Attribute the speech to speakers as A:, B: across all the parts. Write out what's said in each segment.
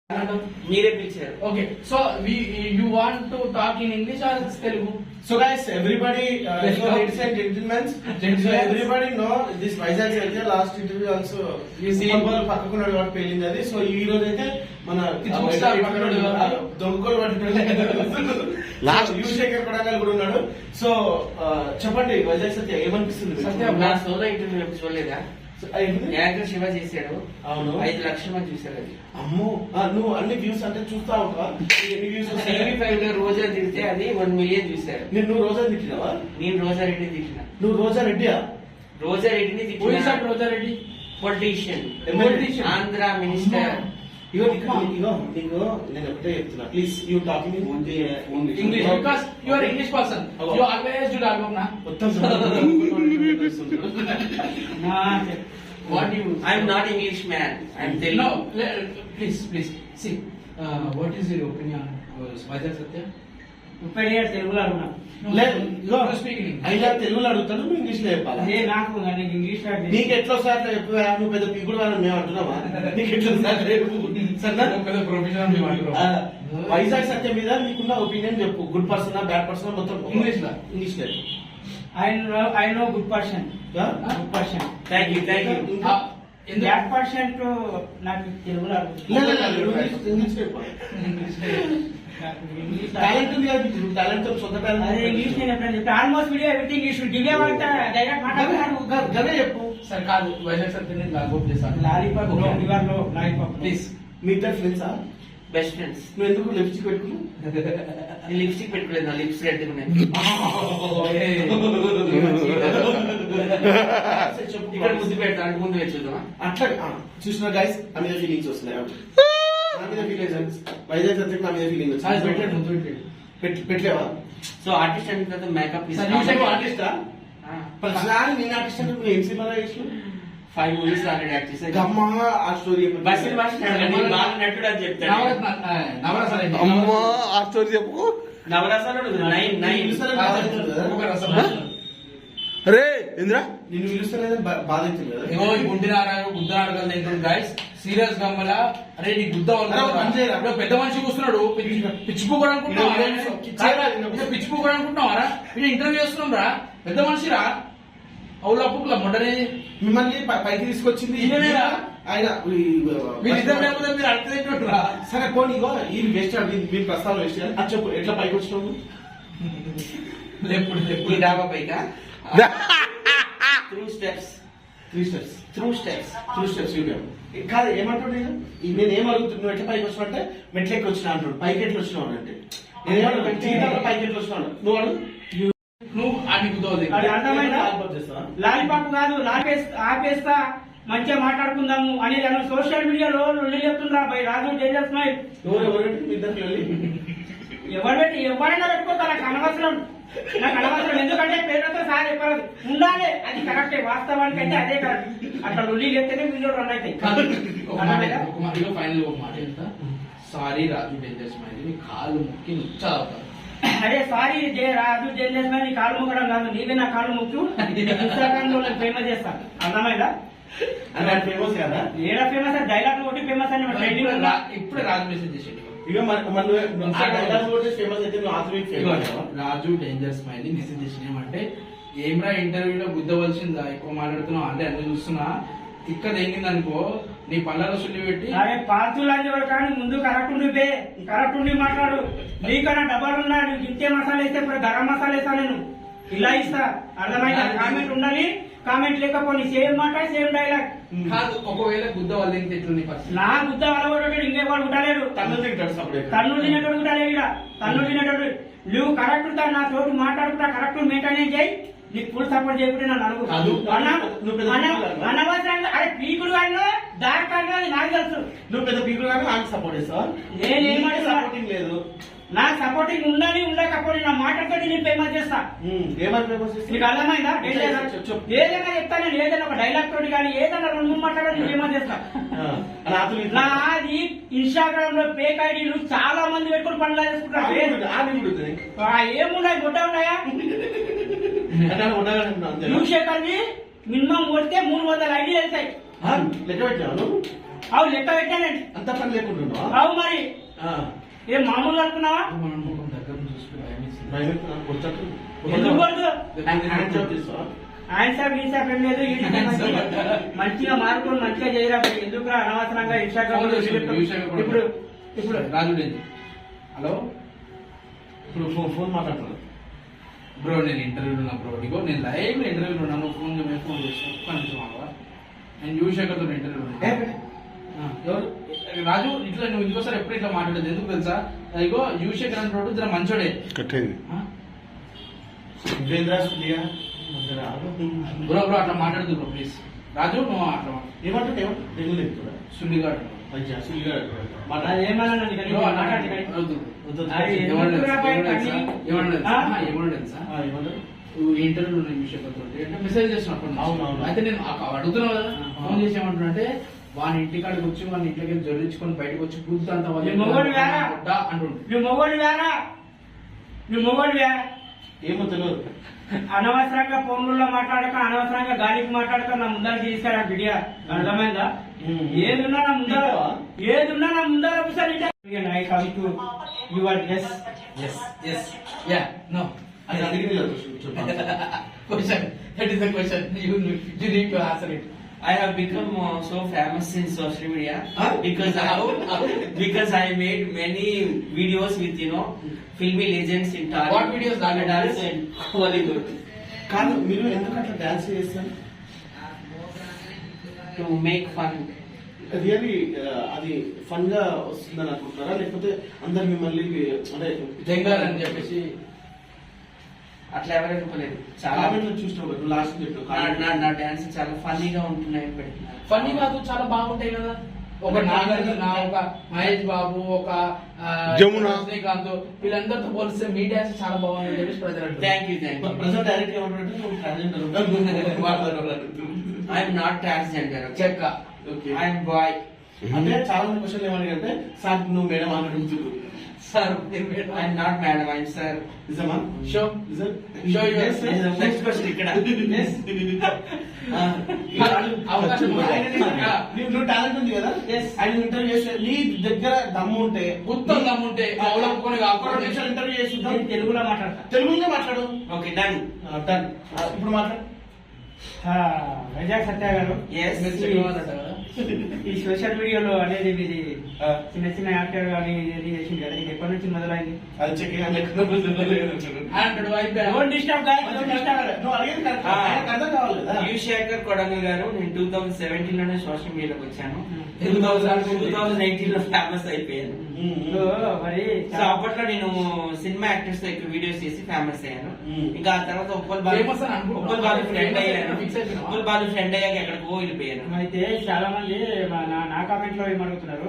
A: మీరే పిలిచారు.
B: Okay, so you want to talk in English or Telugu?
C: So guys, everybody, ladies and gentlemen, so everybody know this Vizag అయితే last interview also
B: You see,
C: పక్కకున్నాడు వాడు పేలింది అది. So ఈ రోజు అయితే మన దొంగలు లాస్ట్ యువశేఖర్ కొడంగల్ కూడా ఉన్నాడు. సో చెప్పండి వైజాగ్ సత్య ఏమనిపిస్తుంది?
B: సత్య
A: నా సోలో ఇంటర్వ్యూ ఎప్పుడు చూడలేదా? యాంకర్ శివ చేశాడు.
C: అవును,
A: 5 లక్షల మంది చూశారు అది.
C: అమ్మో, నువ్వు అన్ని వ్యూస్ అంటే చూస్తా ఉంటావా? ఎన్ని వ్యూస్
A: టీవీ5 లో రోజా తిడితే అది 1 మిలియన్ చూశారు.
C: నువ్వు రోజా తిట్టినావా?
A: నేను రోజారెడ్డిని తిట్టిన.
C: నువ్వు రోజా రెడ్డియా?
A: రోజారెడ్డిని
B: who is that
A: తిట్టిన.
B: Rojareddy?
A: Politician,
B: Politician.
A: Andhra minister.
C: ఇగో నీకు నేను ఒకటే చెప్తున్నా, please you talking
B: English, because you are English person. You always do dialogue na.
C: మొత్తం
B: What do you?
A: I'm not English man, I'm Telugu.
B: No, please see. What is your opinion on Vizag Satya?
D: తెలుగులో అడుగున్నా.
C: లేదు, ఇగో
B: You speak in English.
C: అయినా తెలుగులో అడుగుతాను, నువ్వు English లో చెప్పాలి.
D: అదే నాకు ఇంగ్లీష్
C: నీకు ఎట్లా సార్ చెప్పా? నువ్వు పెద్ద పీకుడు అని మేము అంటున్నావా? నీకు ఎట్లా సార్ సరేనా?
B: పెద్ద ప్రొఫెషనల్ మేము అంటున్నాం.
C: వైజాగ్ సత్యం మీద నీకున్న ఒపీనియన్ చెప్పు. గుడ్ పర్సన్, బ్యాడ్ పర్సన్, మొత్తం
B: English లో.
C: ఇంగ్లీష్ లో.
D: I know good person. Good person.
A: Thank you.
D: Bad person నాకు తెలుగులో
C: ఇంగ్లీష్ టాలెంట్ ఉంది కదా, టాలెంట్ సొంత
D: అదే
C: టాలెంట్.
D: ఇంగ్లీష్ నేను ఎప్పుడైనా చెప్తా. Almost video everything English give direct మాట్లాడు.
C: గదే చెప్పు.
B: సరే కాదు, వైజాగ్ సత్యాన్ని లాగోప్ చేస్తాను.
D: లాలీపాప్ రివర్ లో లాలీపాప్
B: ప్లీజ్.
C: మీ ఇద్దరు ఫ్రెండ్సా?
A: Best friends.
C: నువ్వు ఎందుకు లిప్స్టిక్ పెట్టుకున్నావు?
A: నేను లిప్స్టిక్ పెట్టుకోలేదు, నా లిప్స్ రెడ్ ఉన్నాయి. ఇక్కడ ముద్దు పెడతా అంటే ముందు వచ్చేద్దామా?
C: అట్లా చూసిన గైస్ నా మీద ఫీలింగ్స్ వస్తున్నాయి. నా మీద ఫీలింగ్స్, వైజాగ్ సత్యం నా మీద ఫీలింగ్ పెట్టలేవా?
A: సో ఆర్టిస్ట్ అంటే తర్వాత మేకప్
C: ఆర్టిస్టా? ప్రతిసారి నేను ఆర్టిస్ట్ అంటే నువ్వు ఏం సినిమా చేసినావు?
A: 5 మూవీస్ ఆల్రెడీ యాక్ట్ చేశాను.
C: గమ్మా ఆ స్టోరీ
A: బస్సు బాగా నటుడు అని చెప్తాడు.
C: అమ్మా ఆ స్టోరీ చెప్పు.
A: నవరసాలు 9
B: ఒక రసం.
C: అరే ఇంద్రా నిన్ను పిలుస్తలేదని బాధ అవుతుంది కదా.
B: ఇగో ఈ గుద్దనాడగలు తింటుంది గైస్. సీరియస్ గమ్మల. అరే నీ గుద్ద పెద్ద మనిషి కూర్చున్నాడు. పిచ్చిపోకూడదు అనుకుంటున్నావు? పిచ్చిపోకూడదు అనుకుంటున్నావారా? వీడు ఇంటర్వ్యూ చేస్తున్నాం రా, పెద్ద మనిషి రా. అవులా పుక్కుల మొట్టనే
C: మిమ్మల్ని పైకి తీసుకొచ్చింది ఆయన.
B: వీళ్ళిద్దరు లేకపోతే మీరు అర్థం రా.
C: సరే పోనీ, ఇగో ఈ వేస్ట్ మీరు ప్రస్తావన వేస్ట్ చేయాలి. అది చెప్పు, ఎట్లా పైకి వచ్చినావు?
A: ఈ డాబా పైగా త్రూ స్టెప్స్
C: కాదు ఏమంటాడు నేను ఏం అడుగుతున్నా, నువ్వు ఎట్లా పైకి వచ్చినావు అంటే మెట్లెక్కి వచ్చినా అంటాడు. పైకి ఎట్లా వచ్చినావు అంటే నేనేమన్నా జీవితంలో పైకి ఎట్లా వచ్చినాడు నువ్వు అడుగు.
B: నువ్వు ఆడి గుద్దవుతుంది.
D: అర్థమైందా? లాలీపాప్ కాదు, ఆపేస్తా మంచిగా మాట్లాడుకుందాము అనేది అన్న సోషల్ మీడియాలో లొల్లి చెప్తుండ్రా బై రాజు డేంజర్ స్మైల్. ఎవరైనా పెట్టుకోతా, నాకు అనవసరం. ఎందుకంటే పేరుతో సార్ చెప్పారు ఉండాలి, అది కరెక్టే. వాస్తవానికి అయితే అదే కరెక్ట్. అట్లా లొల్లి చెప్తేనే వీడియో రన్ అవుతాయి.
B: ఫైనల్ ఒక మాట చెప్తా. సారీ రాజు డేంజర్ స్మైల్, నీ కాళ్ళు ముక్కి నుచ్చా అవుతారు.
D: అరే సారీ రాజు డేంజర్ స్మైల్, నీ కాళ్ళు మొక్కడం కాదు, నీవే నా కాళ్ళు ముక్కు. ఇన్స్టాగ్రామ్ లో ఫేమస్ చేస్తాను, అర్థమైందా?
C: ఫేమస్ కదా,
D: ఏడా ఫేమస్? డైలాగ్ ఒకటి ఫేమస్ అని
B: ఇప్పుడే రాజు మెసేజ్ చేసేది. రాజు డేంజర్ స్మైల్ మెసేజ్ చేసిన ఏమంటే, ఏమ్రా ఇంటర్వ్యూలో గుద్దవలసిందా, ఎక్కువ మాట్లాడుతున్నావు అంటే అన్ని చూస్తున్నా, ఇక్కడ ఏంగింది అనుకో నీ పళ్ళలో సుల్లి పెట్టి.
D: అరే పార్తులు కానీ ముందు కరెక్ట్ ఉండి మాట్లాడు. నీకన్నా డబ్బాలు ఉన్నా, నీకు ఇంతే మసాలా వేస్తే గరం మసాలా వేస్తా, నేను ఇలా ఇస్తా. అర్థమైందా? కామెంట్ ఉండాలి, కామెంట్ లేకపోతే సేమ్ మాట సేమ్ డైలాగ్
B: కాదు. ఒకవేళ గుద్ద వాళ్ళు ఎట్లుంది
D: నా గుద్ద వలగొట్టాడు, ఇంకేవాడు గుట్టలేడు. తన్నులు తినేటోడు గుట్టలేడు. ఇక్కడ తన్నులు తినేటోడు నువ్వు కరెక్ట్ నా తోటి మాట్లాడుకుంటా, కరెక్ట్ మెయింటైన్ చేయి. నీకు ఫుల్ సపోర్ట్ చేయకుంటే నన్ను అడుగు. అనవసరంగా అరే పీకుడు కానీ దారి కానీ నాకు తెలుసు.
C: నువ్వు పెద్ద పీకుడు కానీ నాకు సపోర్ట్ చేస్తావా?
D: నేనేమంటే
C: సపోర్టింగ్ లేదు.
D: నా సపోర్టింగ్ ఉండాలి, ఉండకపోతే నా మాటతో నేను ఫేమస్ చేస్తా.
C: ఏమని ఫేమస్ చేస్తా?
D: నీకు అర్థమైందా? ఏదైనా చెప్తా నేను, ఏదైనా ఒక డైలాగ్ తోటి కానీ ఏదైనా 2 మాట్లాడాలి, నేను ఫేమస్ చేస్తా. నాది ఇన్స్టాగ్రామ్ లో ఫేక్ ఐడీలు చాలా మంది పెట్టుకుని పనులు చేసుకుంటారు. ఏమున్నాయి? గుడ్డ ఉన్నాయా? యువశేఖర్ని మినిమం కొడితే 300 ఐడీలు వెళ్తాయి.
C: లెక్క పెట్టాను.
D: అవు లెక్క పెట్టానండి
C: అంత పని లేకుండా
D: అవు మరి ఏం మామూలు అనుకున్నావా
B: మనం ముఖం దగ్గర నుంచి చూసుకుని భయమేసింది.
D: ఎందుకు పడదు
C: భయపెడుతున్నా
D: ఆయన సాబ్ ఈ సాబ్ ఏం లేదు ఈ మంచిగా మార్కులు మంచిగా చేయరా ఎందుకు అనవసరంగా ఇన్స్టాగ్రామ్ లో ఇప్పుడు ఇప్పుడు
B: రాజు లేదు. హలో
C: ఇప్పుడు ఫోన్ మాట్లాడుతున్నా
B: బ్రో, నేను ఇంటర్వ్యూలో ఉన్నా బ్రో. ఇగో నేను లైవ్ ఇంటర్వ్యూలో ఉన్నాను. ఫోన్ చేసి ఒక్క నిమిషం ఆగవా? నేను యువశేఖర్తో ఇంటర్వ్యూలో ఉన్నాను. ఎవరు రాజు, ఇట్లా నువ్వు ఇంకోసారి ఎప్పుడు ఇట్లా మాట్లాడదు ఎందుకు తెలుసా? ఇగో యువశేఖర్ అంటాడు జర మంచోడే. బ్రో బ్రో అట్లా మాట్లాడదు బ్రో ప్లీజ్. రాజు నువ్వు అట్లా
C: ఏమంటే
B: సుల్లిగాడు
D: ఏమన్నా
B: ఇంటర్వ్యూ అంటే మెసేజ్ చేస్తున్నప్పుడు
C: అవునవును.
B: అయితే నేను అడుగుతున్నావు కదా, ఫోన్ చేసి ఏమంటున్నా అంటే వాని ఇంటికాడికి వచ్చి వాని ఇంటికి జొరించుకొని బయటకు వచ్చి బుద్ధి అంతా అంటుండే.
D: నువ్వు మొగోడివా
C: ఏమో తెలియదు.
D: అనవసరంగా ఫోన్లలో మాట్లాడక అనవసరంగా గాలికి మాట్లాడక నా ముందర తీసుకురా బిడియా అర్థమైందా? ఏదున్నా నా ముందర I come to your guess
C: అది అడిగింది కదా
A: Question. That is the question. You need to answer it. I have become so famous in social media because I made many videos with filmy legends in Tollywood.
B: What videos?
A: Dance and Hollywood.
C: కాదు మీరు ఎందుకు అట్లా dance చేస్తారు?
A: To make fun.
C: Really అది fun గా వస్తుందని అనుకుంటున్నారా, లేకపోతే అందరు మిమ్మల్ని అంటే
B: జంగాలని చెప్పేసి
A: అట్లా ఎవరు అనుకోలేదు. చాలా
C: చూసినావు కదా లాస్ట్ చెప్పు
A: నా డాన్స్ చాలా ఫన్నీగా ఉంటున్నాయి పెడుతున్నారు.
B: ఫన్నీ కాదు, చాలా బాగుంటాయి కదా. ఒక నాగార్జున, ఒక మహేష్ బాబు, ఒక
E: జమున,
B: రజనీకాంత్, వీళ్ళందరితో పోలిస్తే మీ డాన్స్ చాలా బాగుంది చెప్పేసి ప్రజలు
A: థ్యాంక్ యూ.
C: ప్రజెంట్ డైరెక్ట్ ఏమంటారంటే నువ్వు ట్రాన్స్జెండర్.
A: I'm not transgender.
B: చెక్క.
A: I'm boy.
C: అంటే చాలా మంది క్వశ్చన్ ఏమడిగంటే సార్ నువ్వు మేడం అని అడుగుతున్నారు.
A: Sir I'm not madam, I'm sir.
C: నిజమా?
B: షో షో
A: నెక్స్ట్ క్వశ్చన్ ఇక్కడ.
C: నువ్వు టాలెంట్ ఉంది కదా, ఆయన ఇంటర్వ్యూ చేస్తే నీ దగ్గర దమ్ము ఉంటే
B: గుర్తం దమ్ముంటే
C: ఇంటర్వ్యూ చేసి
D: తెలుగులో మాట్లాడతా.
C: తెలుగులో మాట్లాడు.
A: Okay done.
C: డన్. ఇప్పుడు మాట్లాడు.
D: వైజాగ్ సత్య గారు, ఈ సోషల్ మీడియాలో అనేది మీది చిన్న చిన్న యాక్టర్ కానీ ఇది చేసింది కదా, ఇది ఎప్పటి నుంచి మొదలైంది?
C: అది చెక్
A: యువశేఖర్ కొడంగల్ గారు, నేను 2017 లోనే సోషల్ మీడియాలోకి వచ్చాను. 2019 లో ఫేమస్ అయిపోయాను.
D: మరి
A: సో అప్పట్లో నేను సినిమా యాక్టర్స్ తో ఎక్కువ వీడియోస్ చేసి ఫేమస్ అయ్యాను. ఇంకా ఆ తర్వాత ఉప్పల్ బాలు ఫ్రెండ్ అయ్యాక ఎక్కడికో వెళ్ళిపోయాను.
D: అయితే చాలా మంది నా కామెంట్ లో ఏమడుగుతున్నారు,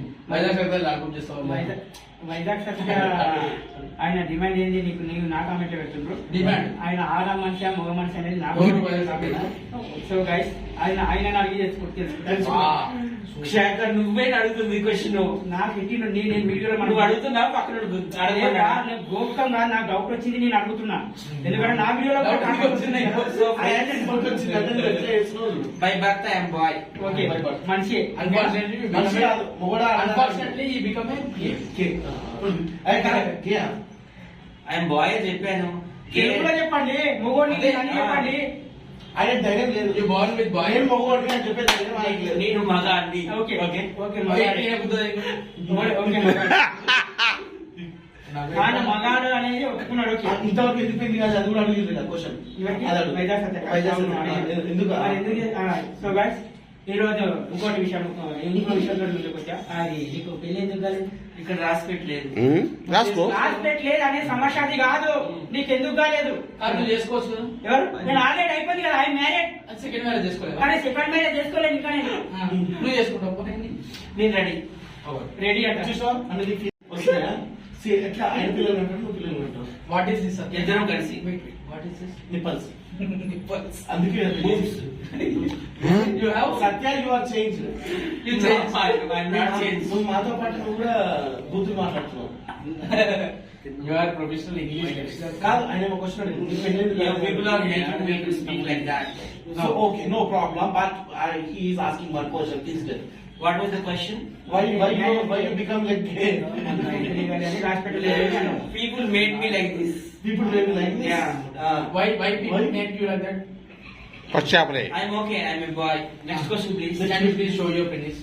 D: వైజాగ్ సత్య ఆయన డిమాండ్ ఏంది నీకు, నీవు నా కామెంట్ లో పెడుతుండ్రు.
B: డిమాండ్
D: ఆయన ఆడ మనిషి మగ మనిషి అనేది నాకు. సో గైస్ ఆయన అడిగి తెలుసుకుంటాను.
A: శేఖర్ నువ్వే అడుగుతుంది క్వశ్చన్.
D: నాకు ఇంటి నేను వీడియోలో
A: నువ్వు అడుగుతున్నా పక్కన
D: నేను గోప్తంగా నాకు డౌట్ వచ్చింది, నేను అడుగుతున్నా. ఎందుకంటే నా వీడియోలో
A: by birth I'm boy.
D: Okay మనిషి
A: ఐఎమ్ బాయ్ చెప్పాను.
D: తెలుగులో చెప్పండి, మొగోడిని అని చెప్పండి.
C: ఆయన ధైర్యం లేదు. మగవాడిని అని చెప్పే ధైర్యం ఆయనకి లేదు.
A: నేను మగాడిని.
D: ఓకే
A: ఓకే
D: ఓకే ఆయన మగాడు అనేది ఒప్పుకున్నాడు.
C: ఇంతవరకు ఎందుకు పెళ్లి కాదు అది కూడా అడిగింది కదా క్వశ్చన్. ఎందుకు?
D: సో గైస్ ఈ రోజు ఇంకోటి విషయం ముందుకు వచ్చా. అది నీకు పెళ్లి ఎందుకు కాలేదు?
A: ఇక్కడ రాసి పెట్టలేదు.
E: రాసుకో.
D: రాసి పెట్టలేదు అనే సమస్య అది కాదు. నీకు ఎందుకు కాలేదు?
B: చేసుకోవచ్చు కదా.
D: ఎవరు? నేను ఆల్రెడీ అయిపోయింది కదా, ఐ మ్యారేడ్.
B: సెకండ్ మ్యారేజ్ చేసుకోలేదు.
D: కానీ సెకండ్ మ్యారేజ్ చేసుకోలేదు ఇంకా.
B: నువ్వు చేసుకుంటావు.
A: నేను రెడీ.
D: రెడీ అంటే
C: వస్తాయా? ఎట్లా ఆయన పిల్లలు అంటారు, నువ్వు పిల్లలు అంటావు.
B: What is this?
A: ఇద్దరం కలిసి.
B: What is this?
C: నిప్పల్స్. అందుకే సత్య యు ఆర్ చేంజ్. నువ్వు మాతో పాటు నువ్వు కూడా బూతులు మాట్లాడుతున్నావు.
B: You are professional English.
C: కాదు ఆయన ఒక క్వశ్చన్ అడిగింది.
A: People are making me to speak like that.
C: So okay, no problem. But he is asking one question. Is that
A: what was the question?
C: Why you become like gay?
A: People made me like this.
C: People may be like this.
A: Yeah.
B: Why people
C: Why?
B: make you like that?
E: పచ్చాపలే
A: I'm okay. I'm a boy. Next question, please.
B: Can you please show your penis?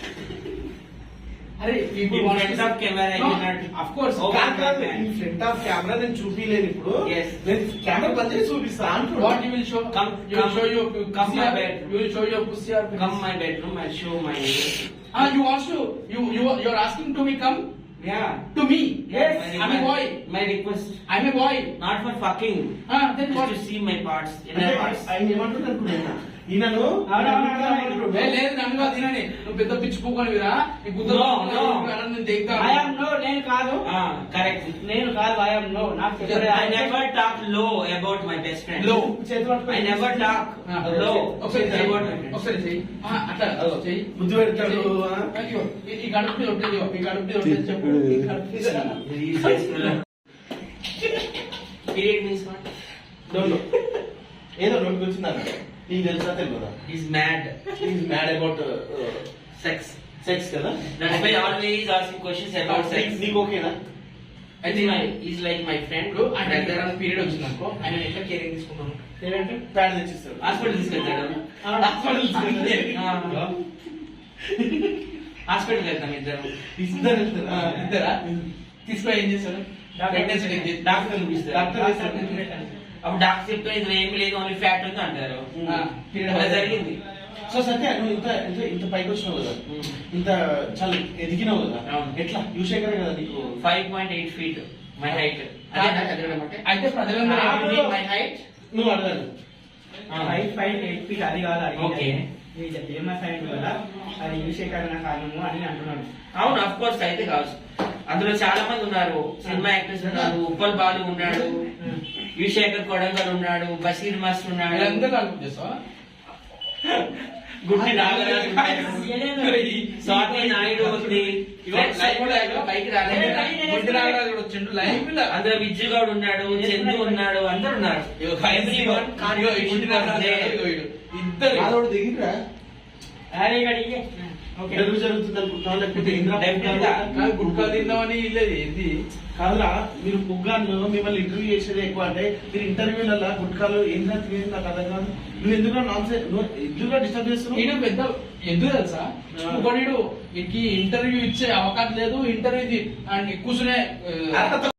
B: అరే people
A: In
B: want
A: front
B: to
A: of camera, I
B: No,
A: cannot.
B: of course.
A: Oh,
C: కాదు, కాదు. ఈ front of camera నేను చూపిలేను ఇప్పుడు.
A: Yes.
C: నేను camera బంద్ చేసి చూపిస్తా అంటున్నా.
B: What you will show?
A: Come,
B: You will
A: come,
B: show your
A: come
B: pussy
A: my
B: or-
A: bed.
B: You will show your pussy or penis?
A: Come my bedroom. I'll show my.
B: You want to? You're asking to me come
A: Yeah.
B: to me?
A: Yes.
B: I'm a boy.
A: My request.
B: I'm a boy.
A: Not for fucking.
B: Then
A: Just
B: what?
A: to see my parts.
C: అంటే
A: Inner parts.
C: ఆయన ఏమంటున్నాడు అనుకున్నా ఈయనను
B: లేదు నన్ను కాదు తినని నువ్వు పెద్ద పిచ్చి పూకొనివిరా నీ గుద్ద
A: No, no.
B: నేను దిగుతా
D: ఐఎమ్ నో, నేను కాదు,
A: Correct.
D: నేను కాదు, ఐఎమ్ నో. నాకు చెప్పలేదు.
A: I never talk low about my best friend.
B: Low.
C: చేతులు పట్టుకొని
A: I never talk low
B: ఒకసారి
A: about
B: చెయ్యి.
A: my friends.
B: ఒకసారి చెయ్యి అట్లా చెయ్యి
C: బుద్ధి పెడతాడు.
B: అయ్యో, ఈ గడుపుని ఒట్టేది ఈ గడుపుని ఒట్టేది చెప్పు ఈ గడుపుని
A: Period means what?
C: Don't know. ఏదో నోటికి వచ్చిందన్న నీకు తెలుసా తెలియదా?
A: He's mad.
C: Is mad about
A: Sex.
C: Sex కదా.
A: That's why always asking questions about sex.
C: నీకు ఓకేనా?
A: He's like my friend.
B: ఇప్పుడు ఆయన దగ్గర పీరియడ్ వచ్చింది అనుకో ఆయన ఎట్లా కేరింగ్ తీసుకుంటాను
C: ఏంటంటే ప్యాడ్ తెచ్చిస్తాడు.
A: హాస్పిటల్ తీసుకెళ్తాడు.
C: హాస్పిటల్ తీసుకెళ్తాడు.
A: హాస్పిటల్ వెళ్తాం ఇద్దరం.
C: ఇద్దరు వెళ్తారు.
B: ఇద్దరా తీసుకొని ఏం చేస్తాడు ప్రెగ్నెన్సీ టెస్ట్ చేసి
A: డాక్టర్ చూపిస్తారు.
C: డాక్టర్ వేస్తాడు.
A: అప్పుడు డాక్టర్ చెప్తే ఇది ఏమి లేదు ఓన్లీ ఫ్యాట్ ఉంది అంటారు. అలా జరిగింది.
C: సో సత్య నువ్వు ఇంత ఇంత ఇంత పైకి వచ్చినావు కదా, ఇంత చాలా ఎదిగినావు కదా,
A: అవును.
C: ఎట్లా యువశేఖర్ కదా నీకు
A: 5.8 feet my height.
B: అయితే ప్రజలందరూ
A: my height.
C: నువ్వు అడగాలి.
D: 5.8 feet అది కాదు అది.
A: Okay.
D: ఫేమస్ అయింది కదా, అది యువశేఖరణ కారణము అని అంటున్నాడు.
A: అవును అఫ్ కోర్స్ అయితే కావచ్చు. అందులో చాలా మంది ఉన్నారు, సినిమా యాక్టర్స్ ఉన్నారు, ఉప్పల్ బాలు ఉన్నాడు, యువశేఖర్ కొడంగల్ ఉన్నాడు, బషీర్ మాస్టర్ ఉన్నాడు,
B: వీళ్ళందరూ కలుపు చేస్తావా
A: గుడ్డి నాగరాజు ఉన్నాడు, స్వాతి నాయుడు ఉంది,
B: పైకి రాలేదు గుడ్డి నాగరాజు కూడా వచ్చిండు లైవ్ లో
A: అందులో విజ్జుగౌడ్ ఉన్నాడు, చందు ఉన్నాడు, అందరు ఉన్నారు. Everyone can't
B: ఇగో ఈ
A: be
B: గుడ్డి నాగరాజు
A: there.
B: ఇగో వీడు. ఇద్దరు
C: ఆదోడు దిగిరా
D: అరే ఇక్కడ ఇయ్యే. ఓకే.
C: తెలుగు జరుగుతుంది అనుకుంటున్నావు లేకపోతే ఇంద్రా
A: Definitely గా.
B: కాదు గుడ్కా తిందామని లేదు ఏంది
C: కాదురా, మీరు పుగ్గాను మిమ్మల్ని ఇంటర్వ్యూ చేసేది ఎక్కువ అంటే మీరు ఇంటర్వ్యూలలో గుట్కాలు ఏంద్రా తినేది నాకు అర్థం కాదు. నువ్వు ఎందుకు నాన్ సెన్స్ ఎందుకు డిస్టర్బ్ చేస్తున్నావు?
B: ఈడు పెద్ద ఎందుకు తెలుసా ఇంకోటి వీడికి ఇంటర్వ్యూ ఇచ్చే అవకాశం లేదు ఇంటర్వ్యూ కూర్చునే